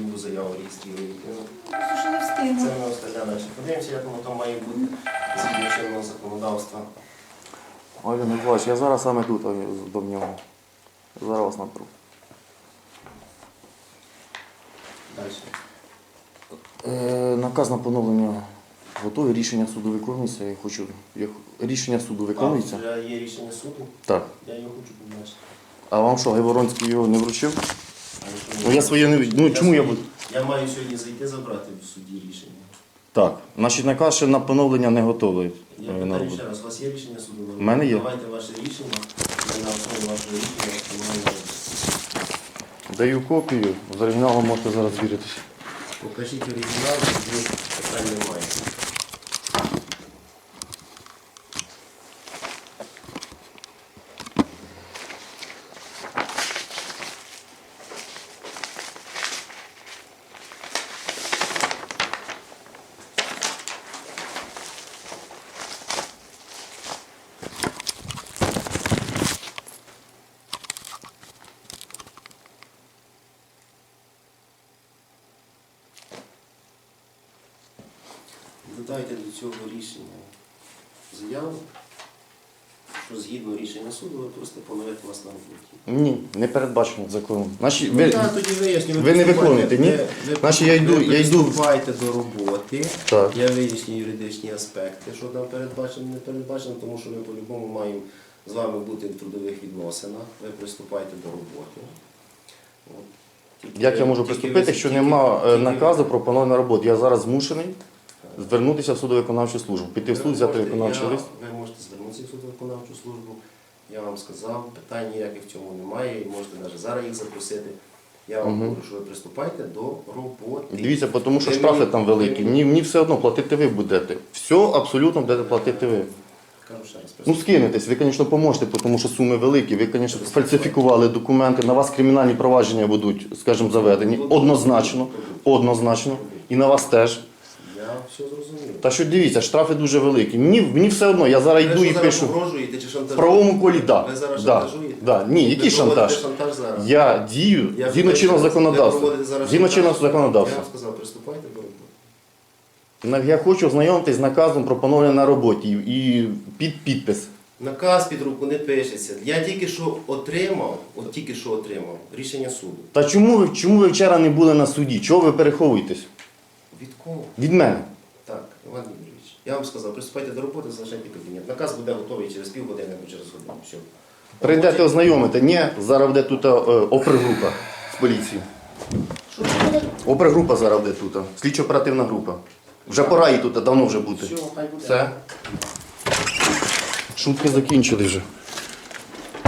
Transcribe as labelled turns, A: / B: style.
A: любу заяву реєструєте.
B: Що не встигну.
A: Це ми остальне далі. Подивимося, як воно там має бути згідно чинного законодавства.
C: Олег Миколаївич, я зараз саме тут до нього. Зараз вас наберу.
A: Далі.
C: Наказ на поновлення готовий, рішення суду виконується. Я хочу... Рішення суду виконується?
A: Вже є рішення суду,
C: Так.
A: я його хочу побачити.
C: А вам що, Гайворонський його не вручив?
A: А якщо
C: Ну я своє не... Ну чому я
A: своє-
C: буду?
A: Я маю сьогодні зайти забрати в суді рішення.
C: Так. Значить, наказ ще на поновлення не готовий.
A: Я
C: на
A: питаю
C: роботу.
A: ще раз, у вас є рішення суду?
C: У мене є.
A: Давайте ваше рішення, і на основі вашого рішення встановлюємо роботу.
C: Даю копію, з оригіналом можете зараз звіритися.
A: Покажіть оригінал, тоді питань немає. Додайте до цього рішення заяву, що згідно рішення суду ви просто поновити вас на роботі.
C: Ні, не передбачено законом. Значить,
A: Тоді виясню.
C: ви не виконуєте, ні? Значить, я йду-
A: Ви
C: я йду-
A: приступаєте до роботи.
C: Так.
A: Я виясню юридичні аспекти, що там передбачено, не передбачено, тому що ми по-любому маємо з вами бути в трудових відносинах. Ви приступаєте до роботи. От. Тільки
C: Як
A: ви-
C: я можу
A: тільки
C: приступити,
A: ви-
C: якщо
A: тільки-
C: нема
A: тільки-
C: наказу про поновлення роботи? Я зараз змушений звернутися в судово-виконавчу службу. Піти в суд, взяти виконавчий лист.
A: Ви можете звернутися в судово-виконавчу службу. Я вам сказав, питань ніяких в цьому немає, і можете навіть зараз їх запросити. Я вам говорю, що ви приступайте до роботи.
C: Дивіться, тому що
A: Ви
C: штрафи
A: мені-
C: там великі.
A: ви мені-
C: Мені все одно платити ви будете. Все абсолютно будете платити ви.
A: Кажу ще раз,
C: Ну скинетесь, ви, звісно, поможете, тому що суми великі. Ви, звісно, сфальсифікували документи, на вас кримінальні провадження будуть, скажімо, заведені. Однозначно. Однозначно. І на вас теж.
A: Я все зрозумів.
C: Та що дивіться, штрафи дуже великі. Мені все одно, я зараз
A: Ви
C: йду і
A: що зараз
C: пишу.
A: погрожуєте чи
C: В
A: шантажуєте?
C: правовому колі, так.
A: Ви зараз
C: Да,
A: шантажуєте?
C: да. Ні, який
A: Ви проводите
C: шантаж?
A: шантаж зараз?
C: Я дію
A: Я
C: згідно
A: питаю,
C: чинного
A: ви
C: законодавства.
A: проводите зараз
C: Згідно
A: шантаж?
C: чинного
A: Я
C: законодавства.
A: вам сказав, приступайте до роботи.
C: Я хочу ознайомитись з наказом про поновлення на роботі і під підпис.
A: Наказ під руку не пишеться. Я тільки що отримав, рішення суду.
C: Та чому ви вчора не були на суді? Чого ви переховуєтесь?
A: Від кого?
C: Від мене.
A: Так, Іван Юрійович, я вам сказав, приступайте до роботи, залишайте кабінет. Наказ буде готовий через півгодини або через годину. Все.
C: Прийдете ознайомити. Ні, зараз буде тут опергрупа з поліції.
A: Що це буде?
C: Опергрупа зараз буде тут. Слідчо-оперативна група. Вже пора їй тут давно вже бути.
A: Все, хай буде.
C: Все. Шутки закінчили вже.